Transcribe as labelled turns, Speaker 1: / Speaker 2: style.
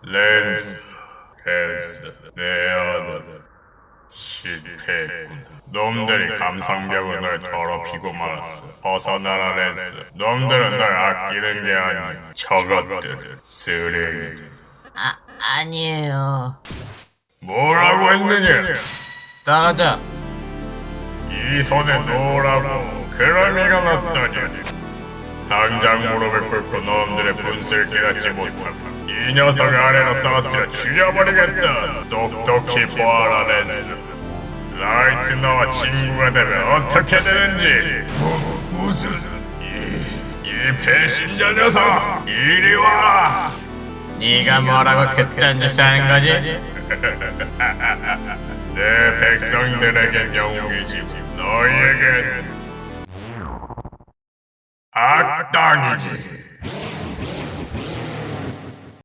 Speaker 1: 랜스, 내 아들. 실패했군. 놈들이 감상벽으로 널 더럽히고 말았어. 벗어나라, 랜스. 놈들은 널 아끼는 게 아니야. 저것들, 쓰레기들.
Speaker 2: 아니에요.
Speaker 1: 뭐라고 했느냐?
Speaker 2: 따라자.
Speaker 1: 이 손에 놓으라고. 그럴 리가 없다냐. 당장 무릎을 꿇고 놈들의 분수를 깨닫지 못하고 이 녀석을 아래로 떨어뜨려 죽여버리겠다. 똑똑히 보아라, 랜스. 라이트 너와 친구가 되면 어떻게 되는지. 무슨 이 배신자 녀석, 이리 와.
Speaker 2: 네가 뭐라고 그딴 짓을 하는 거지?
Speaker 1: 내 백성들에겐 영웅이지 너희에겐 악당이지.